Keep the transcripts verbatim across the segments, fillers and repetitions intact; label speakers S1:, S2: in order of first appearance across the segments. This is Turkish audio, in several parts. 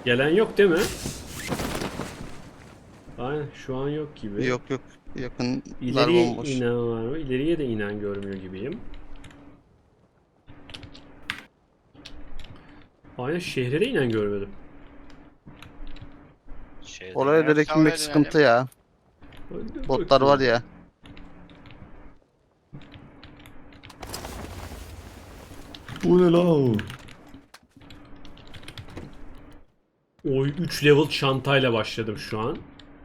S1: Gelen yok değil mi? Aynen şu an yok gibi.
S2: Yok yok. Yakınlar
S1: İleriye
S2: bomboş.
S1: inen var mı? İleriye de inen görmüyor gibiyim. Aynen şehre de inen görmedim.
S3: Şeyde
S2: Oraya direkt
S3: Ersal'a
S2: inmek
S3: dönelim.
S2: sıkıntı ya.
S1: Hadi
S2: Botlar
S1: bakayım.
S2: var ya.
S4: Bu ne lan?
S1: Oy üç level çantayla başladım şu an.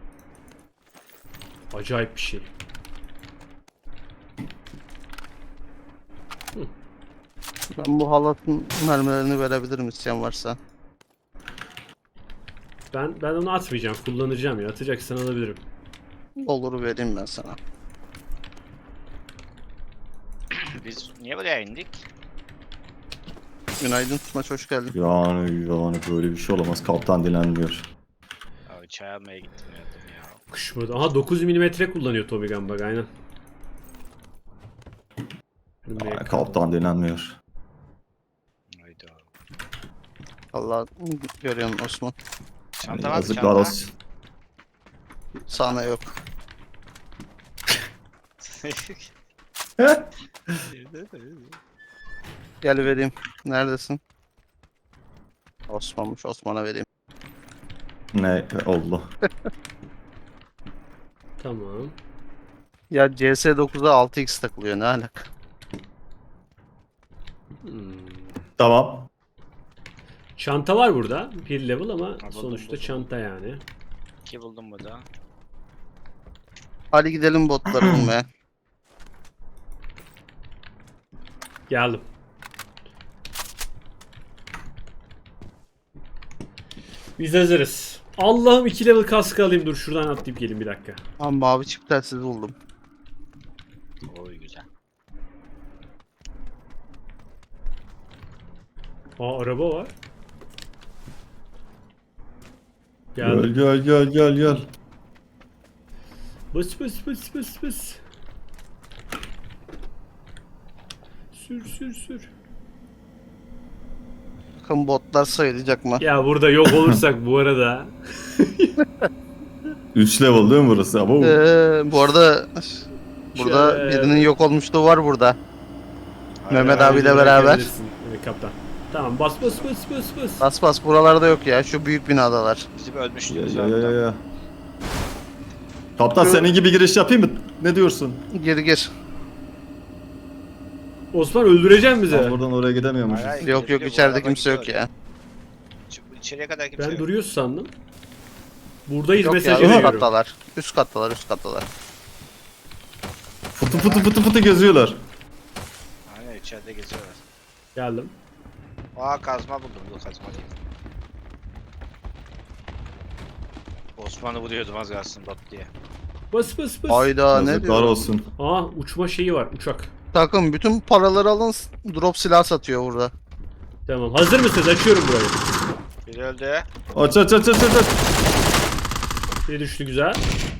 S1: Acayip bir şey.
S2: Ben bu halatın mermilerini verebilirim isteyen varsa.
S1: Ben ben onu atmayacağım, kullanacağım ya. Atacaksan alabilirim.
S2: Olur vereyim ben sana.
S3: Biz niye buraya indik?
S2: Günaydın Tutmaç, hoş geldin.
S4: Yani yani böyle bir şey olamaz. Kaptan dilenmiyor.
S3: Abi çay almaya gittim yardım ya.
S1: Kışmadı. Aha dokuz milimetre kullanıyor Tommy Gun bak aynen. Önüme
S4: Yani
S1: yakın.
S4: kaptan dilenmiyor.
S3: Haydi abi.
S2: Allah görüyorum Osman.
S3: Çanta var mı
S4: Yazıklar
S3: çanta?
S4: olsun.
S2: Sana yok. Gel vereyim. Neredesin? Osman'mış, Osman'a vereyim.
S4: Ne oldu?
S1: Tamam.
S2: Ya C S dokuzda altı x takılıyor, ne alaka?
S1: Hmm.
S4: Tamam.
S1: Çanta var burada. Bir level ama
S3: buldum,
S1: sonuçta
S3: buldum.
S1: çanta yani.
S3: İki buldum burada.
S2: Hadi gidelim botları bulmaya.
S1: Geldim. Biz hazırız. Allah'ım iki level kaskı alayım. Dur şuradan atlayıp gelin bir dakika.
S2: Ha, mavi çip telsiz buldum.
S3: Oy güzel.
S1: Aa araba var.
S4: Gel
S1: Geldim.
S4: gel gel gel gel.
S1: Bıs bıs bıs bıs bıs. Sür sür sür.
S2: Bakın botlar sayılacak mı?
S1: Ya burada yok olursak bu arada.
S4: üç level değil mi burası? Ama
S2: Ee, bu arada burada
S1: Şöyle-
S2: birinin yok olmuşluğu var burada. Mehmet
S1: Aynen,
S2: abiyle
S1: bence
S2: beraber.
S1: bırakabilirsin, evet, kaptan. Tamam bas bas bas bas bas.
S2: Bas bas, buralarda yok ya, şu büyük binadalar.
S3: Bizim
S4: ya
S3: ölmüşlüğümüz
S4: ya
S3: var
S4: ya ya.
S3: burada.
S4: ya. Kaptan
S2: Şu-
S4: senin gibi giriş yapayım mı? Ne diyorsun?
S2: Gir gir.
S1: Osman öldüreceksin
S4: Ben
S1: bizi.
S4: buradan oraya gidemiyormuşuz.
S3: Hayır, hayır,
S2: Yok yok,
S3: gidebiliyor, bu
S2: içeride
S3: araba
S2: kimse yok
S3: gidiyor.
S2: ya.
S3: Çık- İçeriye kadar kimse
S1: Ben
S3: yok.
S1: duruyoruz sandım. Buradayız
S2: Yok ya,
S1: mesajı
S2: üst
S1: veriyorum.
S2: kattalar. Üst kattalar, üst kattalar.
S4: Fıtı fıtı fıtı fıtı geziyorlar.
S3: Aynen içeride geziyorlar.
S1: Geldim.
S3: Aa kazma buldum. Bu kazma değil. Osman'ı vuruyordum az kalsın bot diye.
S1: Bas bas bas.
S2: Hayda, ne
S4: Yazıklar
S2: diyor?
S4: olsun.
S1: Aa uçma şeyi var uçak.
S2: Takım bütün paraları alın, drop silah satıyor burada.
S1: Tamam hazır mısınız? Açıyorum burayı.
S3: Biri öldü.
S4: Aç aç aç aç aç. aç.
S1: Biri düştü güzel.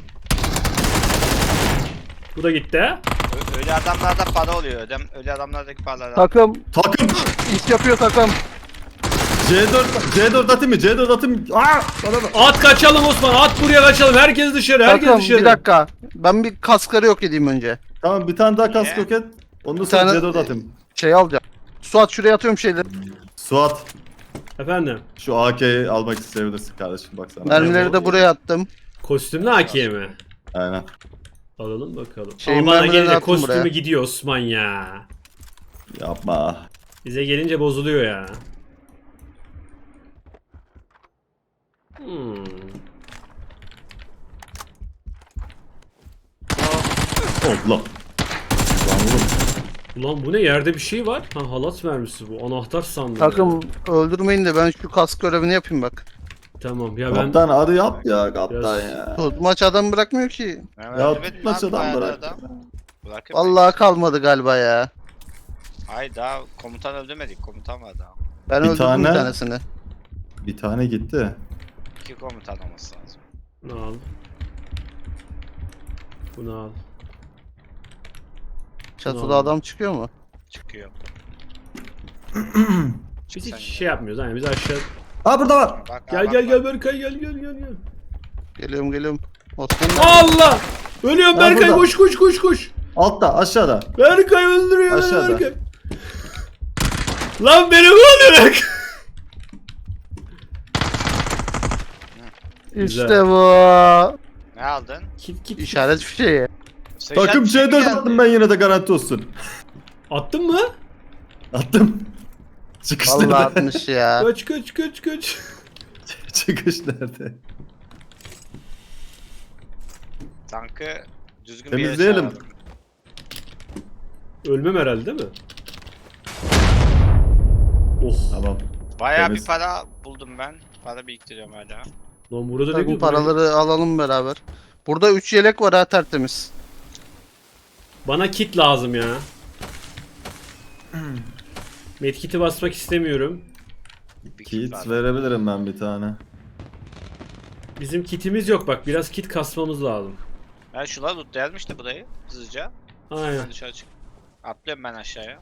S1: Bu da gitti.
S3: Ö- Öyle adamlarda para oluyor. Ödem, öyle adamlardaki paraları al.
S2: Takım
S4: Takım.
S2: iş yapıyor takım.
S4: C dört C dört atayım mı? C dört atayım. Aa! Bana bak.
S1: At kaçalım Osman. At buraya kaçalım. Herkes dışarı. Herkes
S2: Takım
S1: dışarı.
S2: bir dakika. Ben bir kaskları yok edeyim önce.
S4: Tamam bir tane daha kask
S3: Niye?
S4: roket. Ondan
S2: Bir
S4: sonra
S2: tane-
S4: C dört atayım.
S2: Şey alacağım. Suat, şuraya atıyorum şeyleri.
S4: Suat
S1: Efendim.
S4: şu A K'yi almak isteyebilirsin kardeşim baksana.
S2: Mermileri de buraya attım.
S1: Kostümlü A K mi?
S4: Aynen.
S1: Alalım bakalım.
S2: Şeyin
S1: Ama bana
S2: mermilerini
S1: gelince
S2: attım
S1: kostümü
S2: buraya.
S1: gidiyor Osman ya.
S4: Yapma.
S1: Bize gelince bozuluyor ya. Hmm.
S4: Allah. Lan oğlum.
S1: Ulan bu ne? Yerde bir şey var. Ha halat mermisi bu. Anahtar sandım.
S2: Takım öldürmeyin de ben şu kask görevini yapayım bak.
S1: Tamam ya ben
S4: Kaptan hadi yap ya kaptan
S1: Biraz-
S4: ya.
S2: Tutmaç adam bırakmıyor ki.
S3: Hemen
S4: Ya
S3: öldürmedin
S4: tutmaç
S3: lan,
S4: adam
S3: bayağı da
S4: bırak.
S3: adam. Bırakın
S2: Vallahi kalmadı galiba ya.
S3: beni. Hayır daha komutan öldürmedik. Komutan var daha.
S2: Ben
S4: Bir
S2: öldürdüm
S4: tane-
S2: bir tanesini.
S4: Bir tane gitti.
S3: İki komutan olması lazım.
S1: bunu al. Bunu al.
S2: Çatıda
S1: Tamam.
S2: adam çıkıyor mu?
S3: Çıkıyor.
S1: Biz
S3: Çıksan
S1: hiç
S3: yine.
S1: şey yapmıyoruz. Yani biz aşağı
S4: Aa burada var.
S3: Bak,
S1: Gel
S3: bak,
S1: gel
S3: bak.
S1: gel Berkay gel gel gel gel.
S2: Geliyorum geliyorum. Osman
S1: Allah! Ölüyorum
S4: Ben
S1: Berkay,
S4: burada.
S1: koş koş koş koş.
S4: Altta aşağıda.
S1: Berkay öldürüyor beni
S4: Aşağıda.
S1: Berkay. Lan beni mi öldürecek?
S2: İşte bu.
S3: Ne aldın?
S1: Kit kit.
S2: İşaret fişeği.
S3: Sıçrat
S4: Takım
S3: bir şey
S4: C dört
S3: geldi.
S4: attım ben yine de garanti olsun.
S1: Attın mı?
S4: Attım. Çıkış
S2: Vallahi
S4: nerede?
S2: atmış ya.
S1: Kaç kaç kaç kaç.
S4: Çıkış nerede?
S3: Tankı düzgün bir yere
S4: Temizleyelim.
S3: çağıralım.
S1: Ölmem herhalde değil mi? Oh.
S4: Tamam.
S3: Bayağı
S4: Temiz.
S3: bir para buldum ben. Para biriktiriyorum hala.
S1: Lan burada ne
S2: Takım
S1: güzel.
S2: paraları alalım beraber. Burada üç yelek var ha, tertemiz.
S1: Bana kit lazım ya. Medkit'i basmak istemiyorum.
S3: Bir kit
S4: Kit
S3: var.
S4: verebilirim ben bir tane.
S1: Bizim kitimiz yok bak, biraz kit kasmamız lazım.
S3: Ben şuna lootlayalım işte burayı hızlıca.
S1: Aynen.
S3: Ben dışarı çık. Atlıyorum ben aşağıya.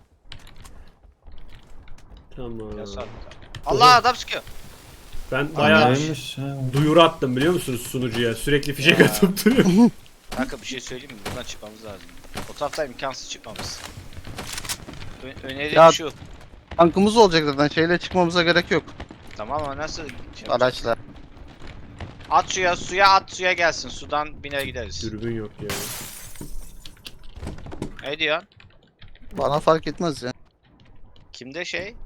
S1: Tamam.
S3: Ya sağ Allah adam sıkıyor.
S1: Ben bayağı
S4: Neymiş ya?
S1: duyuru attım biliyor musunuz sunucuya? Sürekli fişek atıp duruyorum.
S3: Kanka bir şey söyleyeyim mi? Buradan çıkmamız lazım. O taraftan imkansız çıkmamız. Ö önerim
S2: Ya-
S3: şu.
S2: Tankımız olacak zaten, şeyle çıkmamıza gerek yok.
S3: Tamam ama nasıl? Şey yapacağız?
S2: Araçla.
S3: At suya, suya at suya gelsin. Sudan biner gideriz.
S1: Dürbün yok ya.
S3: Ne diyorsun?
S2: Bana fark etmez ya.
S3: Kimde şey?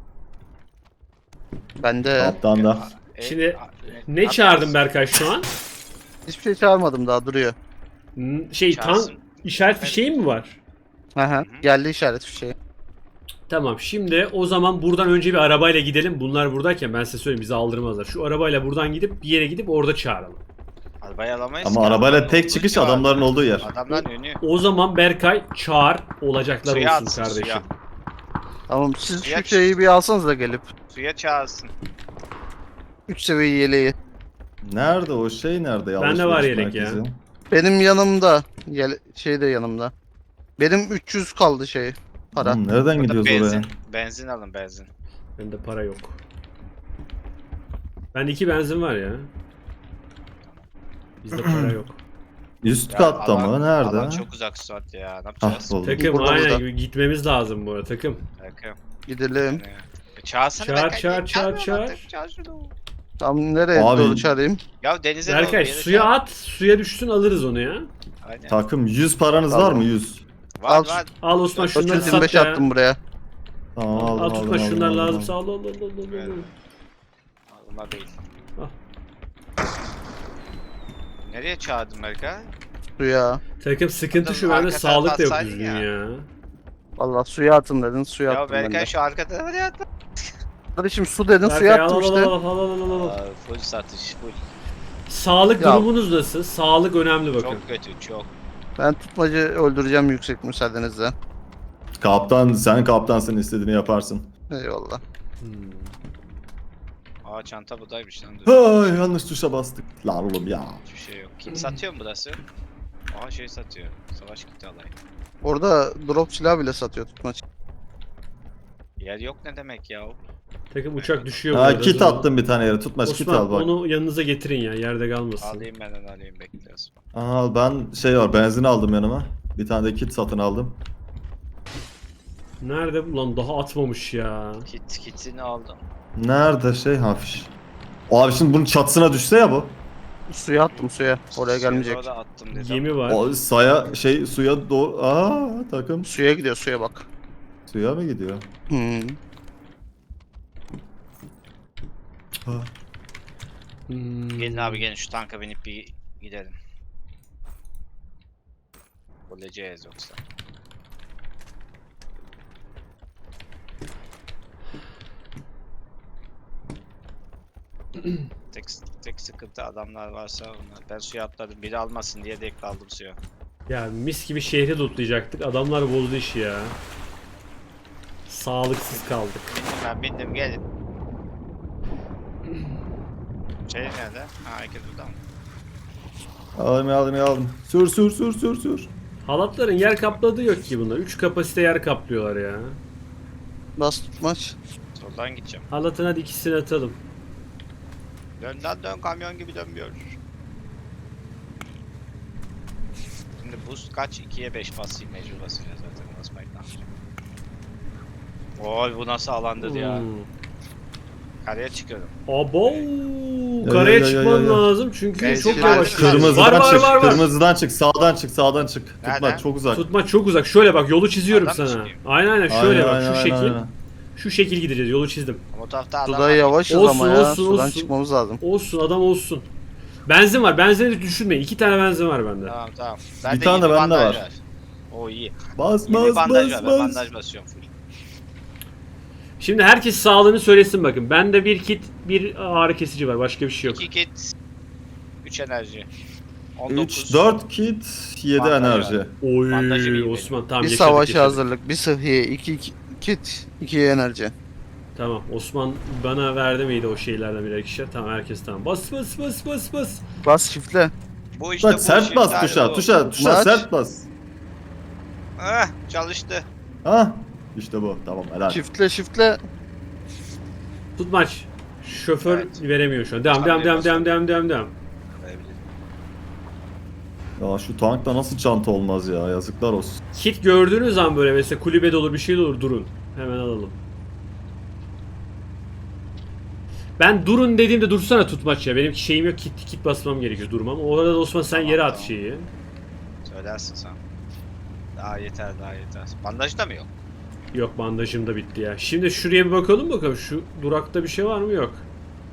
S2: Bende
S4: Alttan da.
S3: E,
S1: Şimdi
S3: a-
S1: Ne
S3: at
S1: çağırdın
S3: gelsin.
S1: Berkay şu an?
S2: hiçbir şey çağırmadım, daha duruyor.
S1: N- Şey tan
S3: Çağırsın.
S1: işaret fişeği mi var?
S2: Aha, geldi işaret fişeği.
S1: Tamam, şimdi o zaman buradan önce bir arabayla gidelim. Bunlar buradayken ben size söyleyeyim, bizi aldırmazlar. Şu arabayla buradan gidip bir yere gidip orada çağıralım.
S3: Arabayı alamayız
S4: Ama
S3: ki,
S4: arabayla
S3: adamların
S4: tek
S3: olduğu
S4: çıkış
S3: civar.
S4: adamların olduğu yer.
S3: Adamların önü.
S1: O zaman Berkay çağır, olacaklar
S3: Suya
S1: olsun
S3: atsın,
S1: kardeşim.
S3: suya.
S2: Tamam, siz
S3: Ya-
S2: şu şeyi bir alsanız da gelip.
S3: Suya çağırsın.
S2: üç seviye yeleği.
S4: Nerede o şey nerede?
S1: Bende
S4: Alışveriş
S1: var yelek ya.
S4: merkezi.
S2: Benim yanımda. Yele şey de yanımda. Benim üç yüz kaldı şey. Para.
S4: Oğlum, nereden
S3: Burada
S4: gidiyoruz
S3: benzin.
S4: oraya?
S3: Benzin alın benzin.
S1: Bende para yok. Bende iki benzin var ya. Bizde para yok.
S4: Üst
S3: Ya
S4: katta
S3: alan-
S4: mı? Nerede?
S3: Alan çok uzak Suat ya. Ne
S4: Ah
S3: yapacağız?
S4: buldum.
S1: Takım
S2: Burada,
S1: aynen
S2: burada.
S1: gitmemiz lazım bu arada takım.
S3: Bakın.
S2: Gidelim.
S3: Yani. E, Çağırsana
S1: Çağır,
S3: Berkay,
S1: çağır,
S3: niye
S1: çağır,
S3: çağırmıyorsun
S1: çağır.
S3: artık? Çağır şunu.
S2: Tam nereye
S4: Abi-
S2: doğru çağırayım?
S3: Ya denize
S1: Berkay
S3: doğru bir yere
S1: suya
S3: çağır.
S1: at, suya düşsün alırız onu ya.
S3: Aynen.
S4: Takım yüz paranız
S2: Tamam.
S4: var mı? yüz.
S3: Var
S2: Al.
S3: var.
S1: Al Osman şunları
S2: dört yüz yirmi
S1: sat
S2: beş
S1: ya.
S2: attım buraya.
S4: Tamam
S1: Al,
S4: aldım
S1: al
S4: aldım
S1: tutma
S4: aldım.
S1: şunlar
S4: aldım,
S1: lazımsa
S4: aldım.
S1: al al al al al, al.
S3: Evet. Bunlar değil.
S1: Al.
S3: Nereye çağırdın Berkay?
S2: Suya.
S1: Takım sıkıntı şu,
S3: Arka
S1: bende
S3: tarafa
S1: sağlık da yok
S3: atsaydın
S1: düzgün
S3: ya.
S1: ya.
S2: Vallahi suya atın dedin, suya
S3: Ya
S2: attım ben
S3: Berkay
S2: de.
S3: şu arkada hadi atla.
S2: Kardeşim su dedin,
S1: Berkay
S2: suya
S1: al
S2: attım
S1: al
S2: işte.
S1: al al al al al al.
S3: Aa, full satış full.
S1: Sağlık
S2: Ya.
S1: durumunuz nasıl? Sağlık önemli bakın.
S3: Çok kötü çok.
S2: Ben tutmacı öldüreceğim yüksek müsaadenizle.
S4: Kaptan sen kaptansın, istediğini yaparsın.
S2: Eyvallah.
S1: Hmm.
S3: Aa çanta buradaymış lan. Dur.
S4: Ay yanlış tuşa bastık. Lan oğlum ya.
S3: Hiçbir şey yok. Kim satıyor mu burası? Aa şey satıyor. Savaş kiti alayım.
S2: Orada drop silah bile satıyor tutmaç.
S3: Yer yok ne demek ya?
S1: Takım uçak düşüyor bu
S4: Ha
S1: arada.
S4: kit
S1: Dur.
S4: attım bir tane yere. Tutmaç kit
S1: Osman
S4: al bak.
S1: onu yanınıza getirin ya, yerde kalmasın.
S3: Alayım ben onu alayım bekliyoruz.
S4: Al ben şey var, benzin aldım yanıma. Bir tane de kit satın aldım.
S1: Nerede bu lan, daha atmamış ya.
S3: Kit kitini aldım.
S4: Nerede şey hafiş. Abi şimdi bunun çatısına düşse ya bu.
S2: Suya attım suya. Oraya
S3: Suya
S2: gelmeyecek.
S3: doğru attım dedim.
S1: Gemi var.
S4: O saya şey suya doğru. Aa takım
S2: Suya gidiyor, suya bak.
S4: suya mı gidiyor?
S2: Hmm.
S4: Ha.
S1: Hmm.
S3: Gelin abi gelin şu tanka binip bir gidelim. Öleceğiz yoksa. tek, tek sıkıntı adamlar varsa onlar. Ben suya atladım. Biri almasın diye de kaldım suya.
S1: Ya mis gibi şehri lootlayacaktık. Adamlar bozdu işi ya. Sağlıksız kaldık.
S3: Bindim ben bindim gelin. Şey nerede? Ha herkes burada mı?
S4: Aldım aldım aldım. Sür sür sür sür sür.
S1: Halatların yer kapladığı yok ki bunlar. üç kapasite yer kaplıyorlar ya.
S2: Bas tutmaç.
S3: Soldan gideceğim.
S1: Halatın hadi ikisini atalım.
S3: Dön lan dön, kamyon gibi dönmüyor. Şimdi boost kaç? ikiye beş basayım, mecbur basacağız zaten. Basmayın lan. Oy bu nasıl alandır ya.
S1: Hmm.
S3: Karaya çıkıyorum.
S1: Abo.
S4: Ya,
S1: Karaya
S4: ya, ya,
S1: çıkman
S4: ya, ya.
S1: lazım çünkü
S3: Benzin
S1: çok
S3: var
S1: yavaş.
S3: değil mi?
S4: Kırmızıdan
S1: Var var
S4: çık.
S1: var var.
S4: Kırmızıdan çık. Sağdan çık. Sağdan çık.
S3: Nereden?
S4: Tutma çok uzak.
S1: Tutma çok uzak. Şöyle bak, yolu çiziyorum
S3: Adam mı
S1: sana.
S3: çıkayım?
S1: Aynen aynen şöyle bak,
S4: Aynen,
S1: şu
S4: aynen,
S1: şekil.
S4: aynen.
S1: Şu şekil gideceğiz. Yolu çizdim.
S3: Ama o tarafta adam
S2: Suda
S3: var.
S2: yavaşız
S1: Olsun,
S2: ama ya.
S1: olsun,
S2: Sudan
S1: olsun.
S2: çıkmamız lazım.
S1: Olsun, adam olsun. Benzin var. Benzini de düşünmeyin. İki tane benzin var bende.
S3: Tamam tamam. Ben
S4: Bir
S3: de
S4: tane de
S3: yeni
S4: bende
S3: bandaj
S4: var.
S3: O iyi.
S4: Bas
S3: Yeni
S4: bas
S3: bandaj
S4: bas
S3: var. Ben
S4: bas.
S3: bandaj basıyorum full.
S1: Şimdi herkes sağlığını söylesin bakın. Bende bir kit, bir ağrı kesici var. Başka bir şey yok.
S3: iki kit. üç enerji. on dokuz.
S4: üç dört kit yedi
S3: Bandaj
S4: enerji.
S3: var.
S1: Oy
S3: Bandajı iyi
S1: Osman tamam
S2: Bir
S1: yaşadık,
S2: savaşa
S1: yaşadık.
S2: hazırlık, bir sıhhiye, iki, iki kit, iki enerji.
S1: Tamam Osman bana verdi miydi o şeylerden birer ikişer? Tamam herkes tamam. Bas bas bas bas bas.
S2: Bas şifle.
S3: Bu işte
S4: Bak
S3: bu
S4: sert
S3: işin
S4: bas
S3: tane
S4: tuşa
S3: bu.
S4: tuşa tuşa
S2: Maç.
S4: sert bas.
S3: Eh, çalıştı.
S4: Ha işte bu tamam helal.
S2: Şifle şifle.
S1: Tutmaç. Şoför
S3: Evet.
S1: veremiyor şu an. Devam devam devam devam devam devam devam.
S4: Ya şu tankta nasıl çanta olmaz ya yazıklar olsun.
S1: Kit gördüğünüz an böyle mesela kulübede olur bir şey de olur durun. Hemen alalım. Ben durun dediğimde dursana tutmaç ya. Benim şeyim yok, kit kit basmam gerekiyor durmam. O arada Osman sen
S3: Tamam,
S1: yere at
S3: tamam.
S1: şeyi.
S3: Söylersin sen. Daha yeter daha yeter. Bandaj da mı yok?
S1: Yok bandajım da bitti ya. Şimdi şuraya bir bakalım bakalım. Şu durakta bir şey var mı? Yok.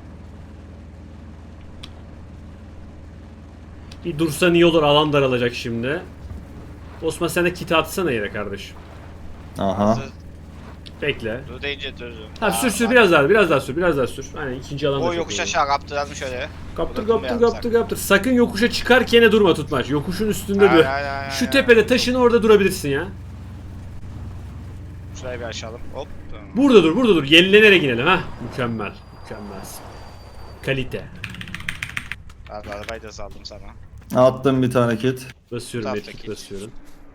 S1: Bir dursan iyi olur. Alan daralacak şimdi. Osman sen de kiti atsana yere kardeşim.
S4: Aha.
S3: Hazır.
S1: Bekle.
S3: Dur deyince dur.
S1: Ha sür sür biraz daha biraz daha sür biraz daha sür. Aynen ikinci alan da
S3: O
S1: çok
S3: yokuş
S1: iyi.
S3: aşağı kaptıralım şöyle.
S1: Kaptır
S3: Burada
S1: kaptır
S3: durmayalım
S1: kaptır kaptır. Sakın yokuşa çıkarken durma tutmaç. Yokuşun üstünde dur.
S3: Aynen, aynen, aynen,
S1: Şu
S3: aynen.
S1: tepede taşın orada durabilirsin ya.
S3: Şurayı bir aşalım. Hop.
S1: Burada dur burada dur. Yenilenerek inelim ha. Mükemmel. Mükemmelsin. Kalite.
S3: Abi arabayı da saldım sana.
S4: Attım bir tane kit.
S1: Basıyorum
S3: Taftaki.
S1: medkit basıyorum.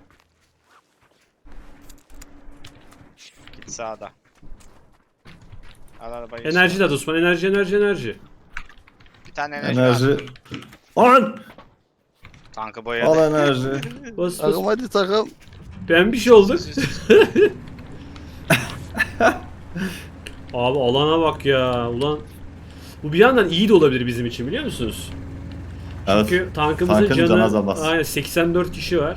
S3: Git sağda. Al arabayı.
S1: Enerji de at Osman. Enerji enerji enerji.
S3: Bir tane enerji.
S4: Enerji.
S3: Enerji.
S4: Al.
S3: Tankı boyadı.
S4: Al enerji.
S1: Bas bas.
S2: Takım hadi takım.
S1: Ben bir şey olduk. Abi alana bak ya. Ulan. Bu bir yandan iyi de olabilir bizim için biliyor musunuz?
S4: Evet.
S1: Çünkü tankımızın
S4: Tankın
S1: canı,
S4: canı azalmaz.
S1: aynen seksen dört kişi var.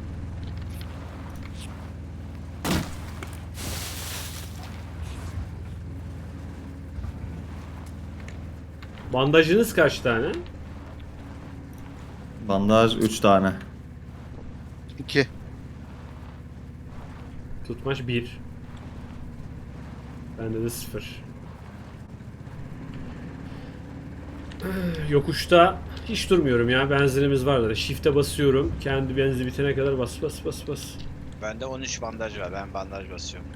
S1: Bandajınız kaç tane?
S4: Bandaj üç tane.
S2: İki.
S1: Tutmaç bir. Bende de sıfır. Yokuşta hiç durmuyorum ya. Benzinimiz vardır. Shift'e basıyorum. Kendi benzin bitene kadar bas bas bas bas.
S3: Bende on üç bandaj var. Ben bandaj basıyorum.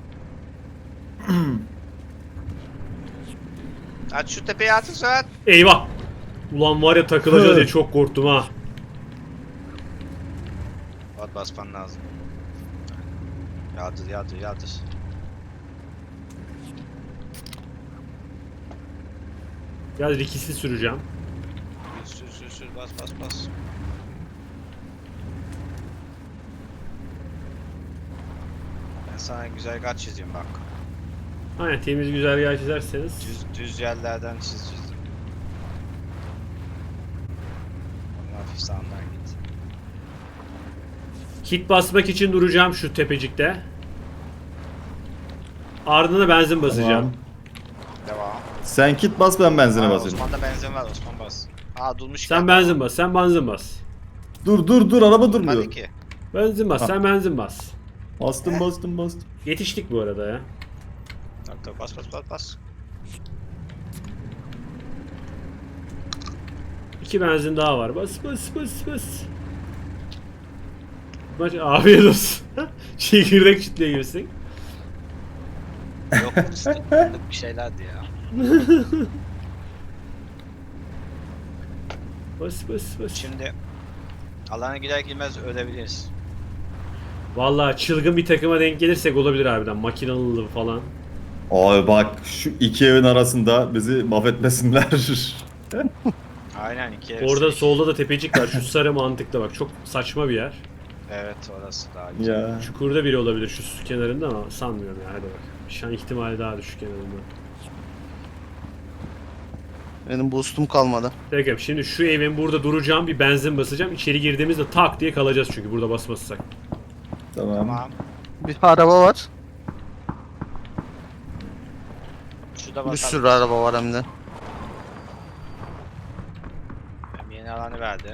S3: Aç şu tepeye atın Suat.
S1: Eyvah! Ulan var ya takılacağız diye çok korktum ha.
S3: Suat basman lazım. Yağdır yağdır yağdır.
S1: Biraz rikisli süreceğim.
S3: Sür sür sür bas bas bas. Ben sana güzel kaç çizeyim bak.
S1: Aynen temiz güzergah çizerseniz.
S3: Düz, düz yerlerden çiz çizdim. Ama hafif sağından git.
S1: Kit basmak için duracağım şu tepecikte. Ardına benzin basacağım.
S4: Tamam.
S3: Devam.
S4: Sen kit bas ben benzine
S3: Aa,
S4: basayım.
S3: Osman'da benzin var, Osman bas. Aa durmuş.
S1: Sen benzin bas, sen benzin bas.
S4: Dur dur dur araba durmuyor.
S3: Hadi ki.
S1: Benzin bas,
S4: Ha.
S1: sen benzin bas.
S4: Bastım bastım bastım.
S1: Yetiştik bu arada ya.
S3: Tak tak bas bas bas bas.
S1: İki benzin daha var. Bas bas bas bas. Maç afiyet olsun. Çekirdek çitliğe gibisin.
S3: Yok fıstıklık bir şeylerdi ya.
S1: Bas bas bas.
S3: Şimdi alana gider girmez ölebiliriz.
S1: Vallahi çılgın bir takıma denk gelirsek olabilir harbiden. Makinalı falan.
S4: Abi bak şu iki evin arasında bizi mahvetmesinler.
S3: Aynen iki ev.
S1: Orada solda da tepecik var. Şu sarı mantıklı bak. Çok saçma bir yer.
S3: Evet orası daha güzel.
S4: Ya.
S1: Çukurda biri olabilir şu su kenarında ama sanmıyorum ya. Hadi bak. Şan ihtimali daha düşük kenarında.
S2: Benim boostum kalmadı.
S1: Peki şimdi şu evin burada duracağım, bir benzin basacağım. İçeri girdiğimizde tak diye kalacağız çünkü burada basmazsak.
S4: Tamam.
S3: Tamam.
S2: Bir araba var.
S3: Şurada
S2: Bir
S3: bakalım.
S2: sürü araba var hem de.
S3: Hem yeni alanı verdi.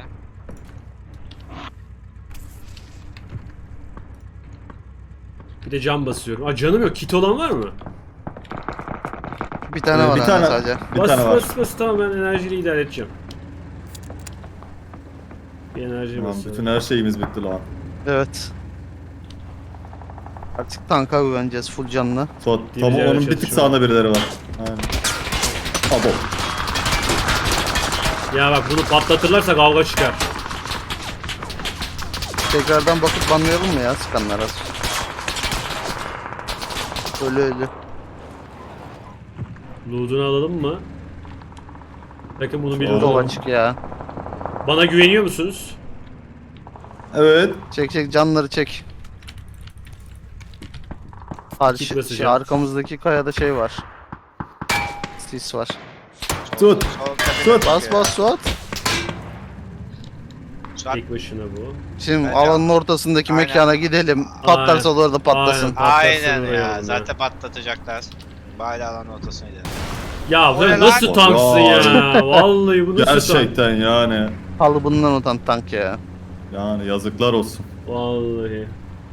S1: Bir de cam basıyorum. Aa canım yok. Kit olan var mı?
S2: Bir tane
S4: Ee,
S2: var
S4: bir
S2: anne
S4: tane-
S2: sadece.
S4: Bir
S1: bas
S4: tane var.
S1: bas bas tamam ben enerjiyle idare edeceğim. Bir enerji
S4: Tamam,
S1: basıyorum.
S4: bütün her şeyimiz bitti lan.
S2: Evet. Artık tanka güveneceğiz full canlı.
S4: Suat,
S1: Bir
S4: tam
S1: yere
S4: onun bir tık
S1: çalışıyor.
S4: sağında birileri var. Aynen. Abo.
S1: Ya bak bunu patlatırlarsa kavga çıkar.
S2: Tekrardan bakıp banlayalım mı ya sıkanlara? Ölü ölü.
S1: Loot'unu alalım mı? Bakın bunun bir
S4: Olur.
S1: loot'u
S2: Dolu
S1: var.
S2: açık ya.
S1: Bana güveniyor musunuz?
S4: Evet.
S2: Çek çek canları çek.
S1: Kit
S2: Karşı, şey,
S1: basacağım.
S2: arkamızdaki kayada şey var. Sis var.
S4: Tut.
S3: Sol tepede
S4: Tut.
S2: Bas
S3: bakıyor.
S2: bas Suat.
S3: Suat.
S1: Tek başına bu.
S2: Şimdi
S3: Bence-
S2: alanın ortasındaki
S3: Aynen.
S2: mekana gidelim. Patlarsa da orada patlasın.
S1: Aynen. Patlatsın
S3: Aynen
S1: oraya
S3: ya.
S1: onlar.
S3: Zaten patlatacaklar. Bari alanın ortasına gidelim.
S1: Ya
S3: O
S1: ben
S3: ne
S1: nasıl
S3: lan?
S1: tanksın
S4: Ya.
S1: ya? Vallahi bu nasıl tank?
S4: Gerçekten yani.
S2: Kalıbından utan tank ya.
S4: Yani yazıklar olsun.
S1: Vallahi.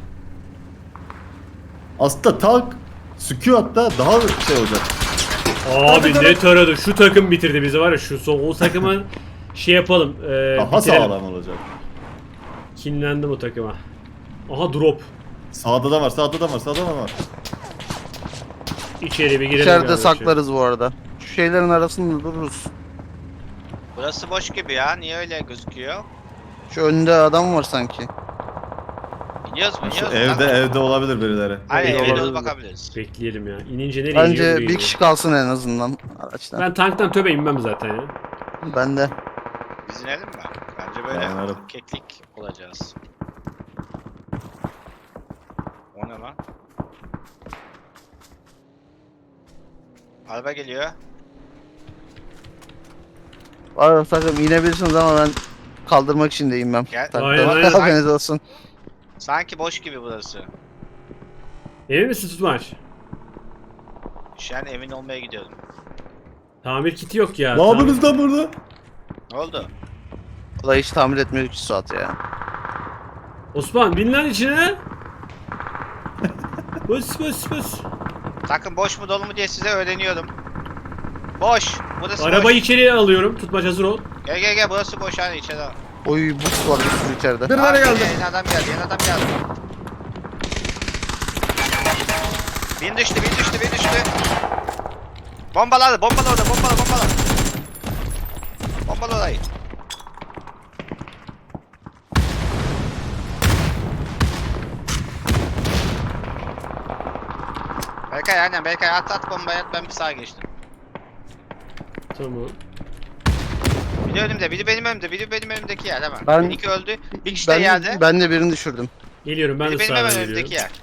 S4: Aslında tank Squad'da daha şey olacak.
S1: Abi
S4: Tabii,
S1: ne taradı? Şu takım bitirdi bizi var ya şu son o takımı şey yapalım. E,
S4: Daha
S1: bitirelim.
S4: sağlam olacak.
S1: Kinlendim o takıma. Aha drop.
S4: Sağda da var, sağda da var, sağda da var.
S1: İçeri bir girelim.
S2: İçeride
S1: kardeşim.
S2: saklarız bu arada. Şu şeylerin arasında dururuz.
S3: Burası boş gibi ya. Niye öyle gözüküyor?
S2: Şu önde adam var sanki.
S3: İniyoruz mu?
S4: Şu
S3: İniyoruz mu?
S4: evde
S3: Lan?
S4: evde olabilir birileri.
S3: Aynen
S1: Evde
S3: eve doğru
S2: olabilir.
S3: bakabiliriz.
S1: Bekleyelim ya. İnince nereye iniyor?
S2: Bence
S1: Buraya
S2: bir
S1: iniyor.
S2: kişi kalsın en azından araçtan.
S1: Ben tanktan töbe inmem zaten ya.
S2: Ben de.
S3: Biz inelim mi? Bence böyle
S4: Dayanırım.
S3: keklik olacağız. O ne lan? Araba geliyor.
S2: Var takım inebilirsiniz ama ben kaldırmak için de inmem.
S3: Gel.
S1: Aynen, aynen.
S2: Haberiniz olsun.
S3: Sanki boş gibi burası.
S1: Emin misin tutmaç?
S3: Şu an emin olmaya gidiyorum.
S1: Tamir kiti yok ya.
S4: Ne
S1: Tamir-
S4: yapıyorsunuz lan burada?
S3: Ne oldu?
S2: Olay hiç tamir etmiyor üç saat ya.
S1: Osman bin lan içine. Bıs bıs bıs.
S3: Takım boş mu dolu mu diye size öğreniyorum. Boş. Burası
S1: Arabayı
S3: boş.
S1: içeriye alıyorum. Tutmaç hazır ol.
S3: Gel gel gel burası boş hani içeri al.
S2: Oy buz var bir sürü içeride.
S4: Birileri
S3: Abi,
S4: geldi.
S3: Yeni adam geldi yeni adam geldi. Bin düştü bin düştü bin düştü. Bombaladı bombala orada bombala bombala. Bombala orayı. Berkay aynen Berkay at at bombayı at ben bir sağa geçtim.
S1: Tamam.
S3: Biri önümde biri benim önümde biri benim önümdeki yer hemen.
S2: Ben-
S3: Bir iki öldü bir kişi de
S2: Ben,
S3: yerde.
S2: ben de birini düşürdüm.
S1: Geliyorum ben de
S3: Biri benim
S1: sağdan
S3: hemen
S1: geliyorum.
S3: önümdeki yer.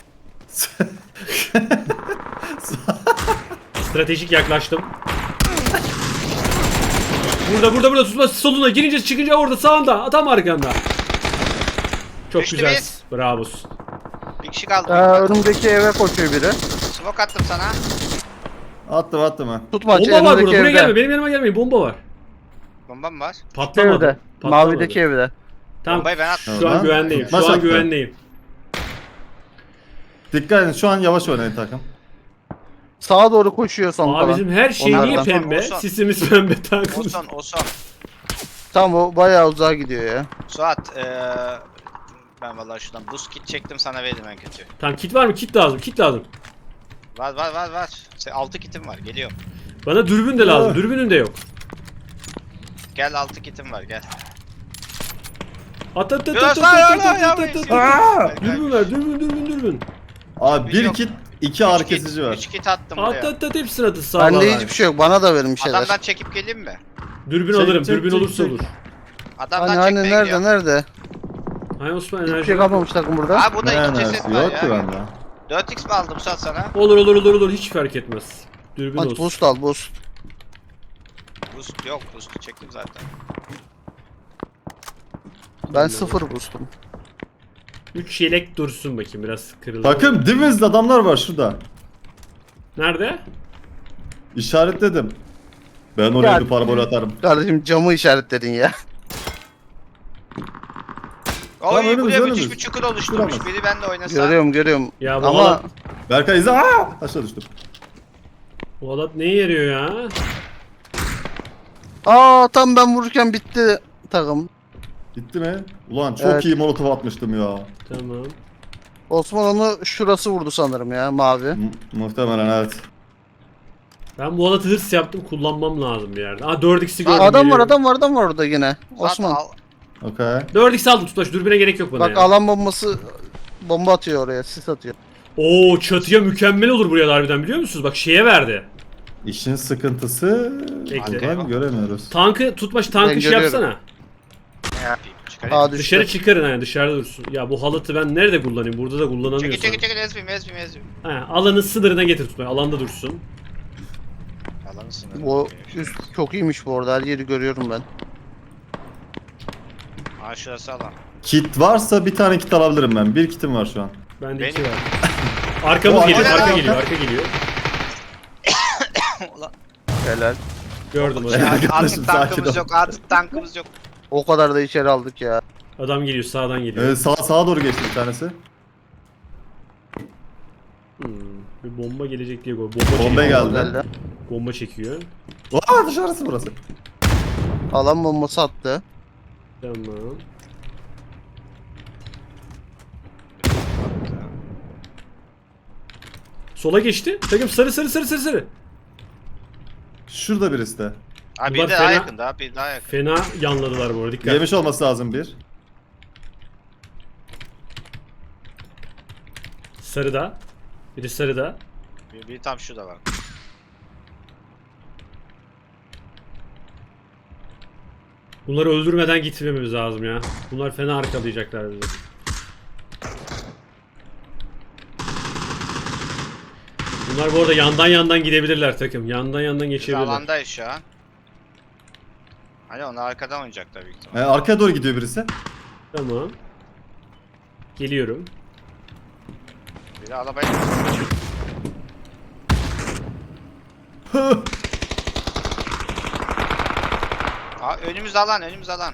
S1: Stratejik yaklaştım. Burada burada burada tutma soluna girince çıkınca orada sağında tam arkanda. Çok
S3: Düştü
S1: güzel.
S3: biz.
S1: Bravo.
S3: Bir kişi kaldı.
S2: Ee, önümdeki eve koşuyor biri.
S3: Smoke attım sana.
S4: Attım attım ha.
S2: Tutmaç
S1: Bomba var
S2: önümdeki
S1: burada. Buraya
S2: evde.
S1: gelme. Benim yanıma gelmeyin. Bomba var.
S3: Bomba mı var?
S1: Patlamadı.
S2: Evde.
S1: Patlamadı.
S2: Mavideki evde.
S1: Tamam.
S3: Bombayı ben attım.
S1: Şu an
S4: Tamam.
S1: güvendeyim. Şu
S4: Tutmaz
S1: an
S4: attı.
S1: güvendeyim.
S4: Dikkat edin şu an yavaş oynayın takım.
S2: Sağa doğru koşuyor son
S1: Aa
S2: kalan.
S1: bizim her şey niye
S2: Onlardan.
S1: pembe?
S3: Olsun.
S1: Sisimiz pembe tankımız.
S3: O son o son.
S2: Tamam o bayağı uzağa gidiyor ya.
S3: Suat eee ben vallahi şuradan buz kit çektim sana veririm en kötü.
S1: Tamam kit var mı? Kit lazım. Kit lazım.
S3: Var var var var. Se- altı kitim var geliyor.
S1: Bana dürbün de lazım.
S4: Aa.
S1: Dürbünün de yok.
S3: Gel altı kitim var gel.
S1: At at at
S3: Biraz
S1: at at
S3: daha
S1: at
S3: yana
S1: at at
S3: yavrum.
S1: at at.
S4: Aa!
S1: Dürbün ver. Dürbün dürbün dürbün.
S4: Abi bir
S3: Yok.
S4: kit iki ağrı kesici var.
S3: üç kit attım
S1: At
S3: buraya.
S1: at at hepsini atın sağ
S2: Bende hiçbir şey yok. Bana da verin bir şeyler.
S3: Adamdan çekip geleyim mi?
S1: Dürbün
S4: Çek,
S1: alırım.
S4: çek,
S1: Dürbün
S4: çek,
S1: olursa
S4: çek.
S1: olur.
S3: Adamdan
S2: Hani hani
S3: çekmeye
S2: nerede
S3: gidiyorum.
S2: nerede?
S1: Hay Osman
S2: Hiçbir
S1: enerji.
S2: şey kalmamış takım burada.
S3: Abi burada
S4: Ne
S3: iki ceset
S4: enerjisi
S3: var
S4: yok ki
S3: ya.
S4: bende.
S3: dört x mi aldım Suat sana?
S1: Olur olur olur olur hiç fark etmez. Dürbün
S2: Hadi
S1: olsun.
S2: boost al boost.
S3: Boost yok, boost'u çektim zaten.
S2: Ben sıfır boostum.
S1: üç yelek dursun bakayım biraz kırıldı.
S4: Takım dibimizde adamlar var şurada.
S1: Nerede?
S4: İşaretledim. Ben oraya
S2: Ya-
S4: bir parabol atarım.
S2: Kardeşim camı işaretledin ya.
S3: Oy
S4: önümüz,
S3: buraya müthiş
S4: önümüz.
S3: bir çukur oluşturmuş.
S4: Duramaz.
S3: Biri ben de oynasam.
S2: Görüyorum görüyorum.
S1: Ya bu
S2: Ama
S1: halat,
S4: Berkay izle. Aa! Aşağı düştüm.
S1: bu halat neye yarıyor ya?
S2: aa tam ben vururken bitti takım.
S4: Gitti mi? Ulan çok
S2: Evet.
S4: iyi molotof atmıştım ya.
S1: Tamam.
S2: Osman onu şurası vurdu sanırım ya mavi.
S4: M- muhtemelen evet.
S1: Ben bu halatı hırs yaptım kullanmam lazım bir yerde. Aa dört x'i
S3: Aa,
S1: gördüm.
S2: Adam var
S1: geliyorum.
S2: adam var adam var orada yine.
S3: Suat
S2: Osman.
S3: al.
S4: Okey.
S1: dört x aldım tutaş dürbüne gerek yok bana
S2: Bak
S1: ya.
S2: alan bombası bomba atıyor oraya, sis atıyor.
S1: Oo çatıya mükemmel olur buraya da harbiden biliyor musunuz? Bak şeye verdi.
S4: İşin sıkıntısı
S1: Bekle.
S4: buradan göremiyoruz.
S1: Tankı tutmaş tankı
S2: Ben
S1: şey
S2: görüyorum.
S1: yapsana.
S3: Ne yapayım? Çıkarayım.
S2: Aa düştü.
S1: Dışarı çıkarın yani dışarıda dursun. Ya bu halatı ben nerede kullanayım? Burada da kullanamıyorsam.
S3: Çekil çekil çekil ezbim ezbim ezbim.
S1: Ha, alanın sınırına getir tutmayı. Alanda dursun.
S3: Alanın sınırı.
S2: Bu üst çok iyiymiş bu arada, her yeri görüyorum ben.
S3: Aa şurası alan.
S4: Kit varsa bir tane kit alabilirim ben. Bir kitim var şu an.
S1: Bende
S3: Benim-
S1: iki var. Arkamız
S4: O,
S1: geliyor,
S3: arka-
S1: arka geliyor, arka geliyor.
S3: Ulan.
S2: Helal.
S1: Gördüm
S4: Ya,
S1: adamı.
S4: arkadaşım,
S3: Artık tankımız
S4: sakin ol.
S3: yok artık tankımız yok.
S2: O kadar da içeri aldık ya.
S1: Adam geliyor, sağdan geliyor.
S4: Ee, sağ, sağa doğru geçti bir tanesi.
S1: Hmm, bir bomba gelecek diye bomba,
S4: Bomba
S1: çekiyor.
S4: geldi.
S2: Geldi.
S1: Bomba çekiyor.
S4: Aa dışarısı burası.
S2: Alan bombası attı.
S1: Tamam. Sola geçti. Takım sarı sarı sarı sarı sarı.
S4: Şurada birisi de.
S3: Abi
S1: Bunlar
S3: bir de daha
S1: fena-
S3: yakın daha bir daha yakın.
S1: Fena yanladılar bu arada. Dikkat.
S4: Yemiş olması lazım bir.
S1: Sarıda. Biri sarıda.
S3: Bir, bir tam şurada var.
S1: Bunları öldürmeden gitmemiz lazım ya. Bunlar fena arkalayacaklar bizi. Bunlar bu arada yandan yandan gidebilirler takım. Yandan yandan
S3: Biz
S1: geçebilirler.
S3: alandayız şu an. Hani onlar arkadan oynayacaklar büyük
S4: Ee,
S3: ihtimalle.
S4: arkaya doğru gidiyor birisi.
S1: Tamam. Geliyorum.
S3: Biri arabaya Aa önümüz alan önümüz alan.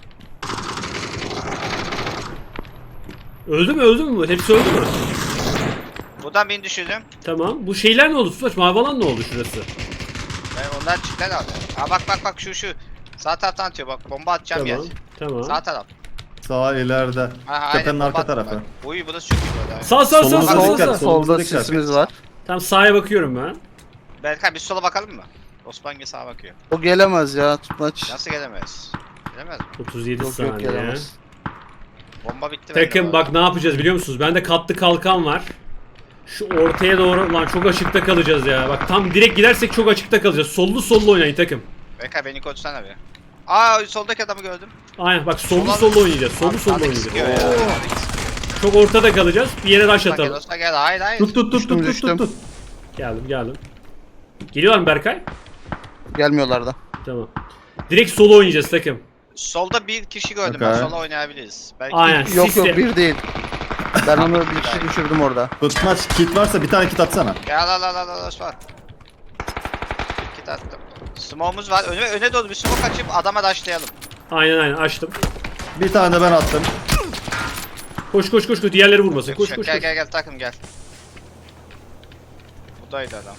S1: Öldü mü öldü mü? Hepsi öldü mü?
S3: Buradan beni düşürdüm.
S1: Tamam. Bu şeyler ne oldu? Tutaç mavi alan ne oldu şurası?
S3: Ben onlar çıktılar abi. Aa bak bak bak şu şu. Sağ taraftan atıyor bak bomba atacağım
S1: Tamam.
S3: yer.
S1: Tamam.
S3: Sağ taraf.
S4: Sağ ileride.
S3: Ha, ha,
S4: Tepenin
S3: aynen, bomba
S4: arka
S3: attım
S4: tarafı.
S3: bak. Uy burası çok iyi böyle.
S1: Sağ sağ sağ
S4: Solumuza
S1: sağ sağ.
S4: dikkat,
S1: sağ.
S4: sol- Solumuza
S2: Solda
S4: dikkat.
S2: sisimiz var.
S1: Tamam sağa bakıyorum ben.
S3: Berkay bir sola bakalım mı? Osman gel sağa bakıyor.
S2: O gelemez ya tutmaç.
S3: Nasıl gelemez? Gelemez mi?
S1: otuz yedi
S2: Yok yok
S1: saniye.
S2: gelemez.
S3: Bomba bitti bende
S1: Takım
S3: bu
S1: bak
S3: arada.
S1: ne yapacağız biliyor musunuz? Bende katlı kalkan var. Şu ortaya doğru lan çok açıkta kalacağız ya. Bak tam direkt gidersek çok açıkta kalacağız. Sollu sollu oynayın takım.
S3: Berkay beni koçsana bir. Aa soldaki adamı gördüm.
S1: Aynen bak sollu
S3: Sola-
S1: sollu oynayacağız. Sollu sollu
S3: Sağdaki
S1: oynayacağız.
S3: sıkıyor ya. Sağdaki sıkıyor.
S1: Çok ortada kalacağız. Bir yere rush
S3: Osman gel
S1: atalım.
S3: Osman gel. Hayır hayır.
S4: Tut tut tut
S2: Düştüm,
S4: tut tut
S2: düştüm.
S4: tut.
S1: Geldim geldim. Geliyorlar mı Berkay?
S2: Gelmiyorlar da.
S1: Tamam. Direkt solo oynayacağız takım.
S3: Solda bir kişi gördüm
S4: Okey.
S3: ben. Sola oynayabiliriz. Belki
S1: Aynen.
S2: Yok
S1: Sisle.
S2: yok bir değil. Ben onu bir kişi düşürdüm orada.
S4: Tutmaç kit varsa bir tane kit atsana.
S3: Gel al al al al Osman. Bir kit attım. Smoke'umuz var. Öne, öne doğru bir smoke açıp adama daşlayalım.
S1: Aynen aynen açtım.
S4: Bir tane de ben attım.
S1: Koş koş koş koş. Diğerleri vurmasın. Koş koş
S3: gel
S1: koş.
S3: gel gel takım gel. Buradaydı adam.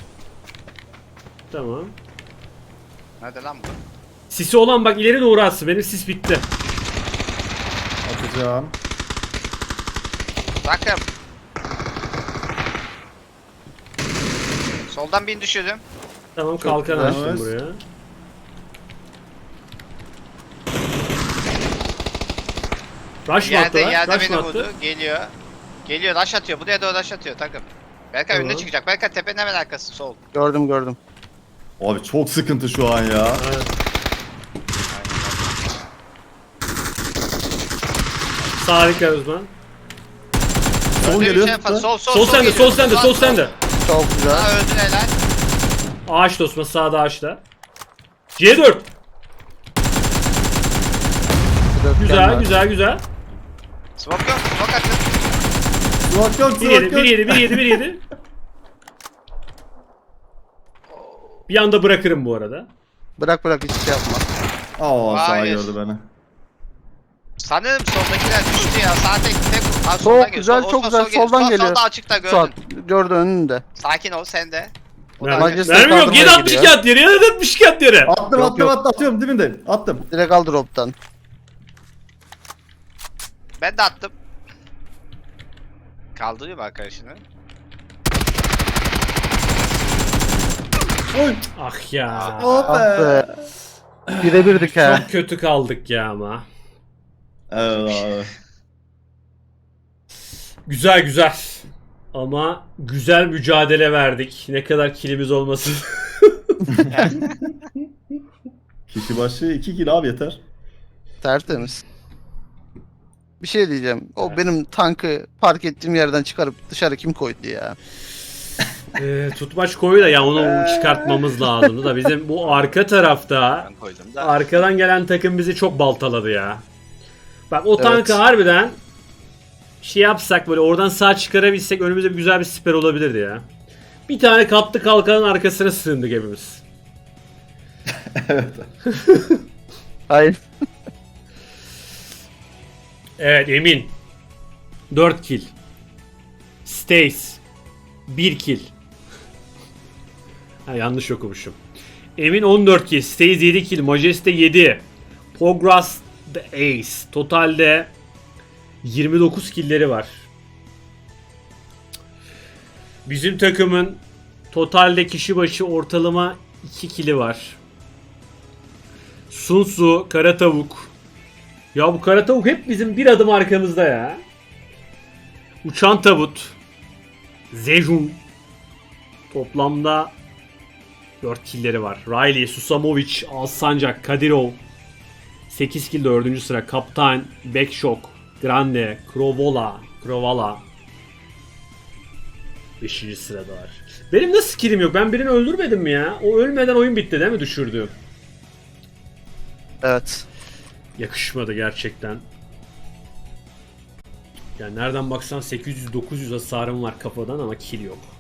S1: Tamam.
S3: Nerede lan bu?
S1: Sisi olan bak ileri doğru atsın. Benim sis bitti.
S4: Atacağım.
S3: Takım. Soldan birini düşürdüm.
S1: Tamam kalkan
S2: güzel.
S1: açtım
S4: Evet.
S1: buraya. Rush mı
S3: Yerde
S1: attılar?
S3: yerde
S1: Rush
S3: beni
S1: mı attı?
S3: vurdu. Geliyor. Geliyor rush atıyor. Buraya doğru rush atıyor takım. Berkay önüne
S1: Tamam.
S3: çıkacak. Berkay tepenin hemen arkası sol.
S2: Gördüm gördüm.
S4: Abi çok sıkıntı şu an ya.
S1: Evet. Sağ dikkat Osman.
S4: Sol
S3: Önde bir
S4: geliyor.
S3: şey yapalım. Sol sol
S1: Sol sende,
S3: geliyor.
S1: sol sende,
S3: Sol,
S1: sol sende.
S2: Çok güzel.
S3: Ha öldün helal.
S1: Ağaç Osman, sağda ağaçta. C dört.
S2: Dörtgen
S1: Güzel,
S2: var.
S1: güzel, güzel.
S3: Smoke yok. Smoke attım.
S4: Yok yok
S1: bir
S4: yok
S1: yedi,
S4: yok.
S1: bir yedi, bir yedi, bir yedi. Bir anda bırakırım bu arada.
S2: Bırak bırak hiç şey yapma.
S4: Aa sağ
S3: Hayır.
S4: gördü beni.
S3: Sanırım soldakiler düştü ya. Sağ tek tek. Ha,
S2: Çok
S3: soldan geliyor.
S2: güzel,
S3: Sol,
S2: çok
S3: Osman,
S2: güzel.
S3: sol geliyor.
S2: Soldan
S3: Sol-
S2: geliyor.
S3: Solda açıkta gördün.
S2: Suat gördü önünde.
S3: Sakin ol sen de. O da
S1: Mermi,
S2: Manchester
S1: mermi yok.
S2: kaldırmaya
S1: yedi altmış
S2: gidiyor.
S1: kağıt yere, yedi altmış kağıt yere.
S4: Attım
S2: Yok,
S4: attım
S2: yok.
S4: attım atıyorum dibindeyim. Attım.
S2: Direkt al drop'tan.
S3: Ben de attım. Kaldırıyor mu arkadaşını?
S4: Oy.
S1: Ah ya.
S4: Oh
S2: Ah
S4: be.
S2: be. Birebirdik ha.
S1: Çok kötü kaldık ya ama.
S4: Evet abi.
S1: Güzel güzel. Ama güzel mücadele verdik. Ne kadar kilimiz olmasın.
S4: Kişi başı iki kilo abi yeter.
S2: Tertemiz. Bir şey diyeceğim. O benim tankı park ettiğim yerden çıkarıp dışarı kim koydu ya?
S1: Ee, tutmaç koyu da ya onu çıkartmamız lazımdı da bizim bu arka tarafta
S3: Ben koydum da.
S1: arkadan gelen takım bizi çok baltaladı ya. Bak o
S2: Evet.
S1: tankı harbiden şey yapsak böyle oradan sağ çıkarabilsek önümüzde bir güzel bir siper olabilirdi ya. Bir tane kaptı kalkanın arkasına sığındık hepimiz.
S2: Hayır.
S1: Evet Emin. dört kill. Stace. bir kill. Ha, yanlış okumuşum. Emin on dört kill. Stace yedi kill. Majeste yedi. Pogras the Ace. Totalde yirmi dokuz killleri var. Bizim takımın totalde kişi başı ortalama iki killi var. Sunsu, Kara Tavuk. Ya bu Kara Tavuk hep bizim bir adım arkamızda ya. Uçan Tabut. Zejun. Toplamda dört killleri var. Riley, Susamovic, Alsancak, Kadirov. sekiz kill dördüncü sıra. Kaptan, Backshock, Grande, Krovola, Krovala. beşinci sırada var. Benim nasıl killim yok? Ben birini öldürmedim mi ya? O ölmeden oyun bitti değil mi düşürdüğüm?
S2: Evet.
S1: Yakışmadı gerçekten. Yani nereden baksan sekiz yüz dokuz yüz hasarım var kafadan ama kill yok.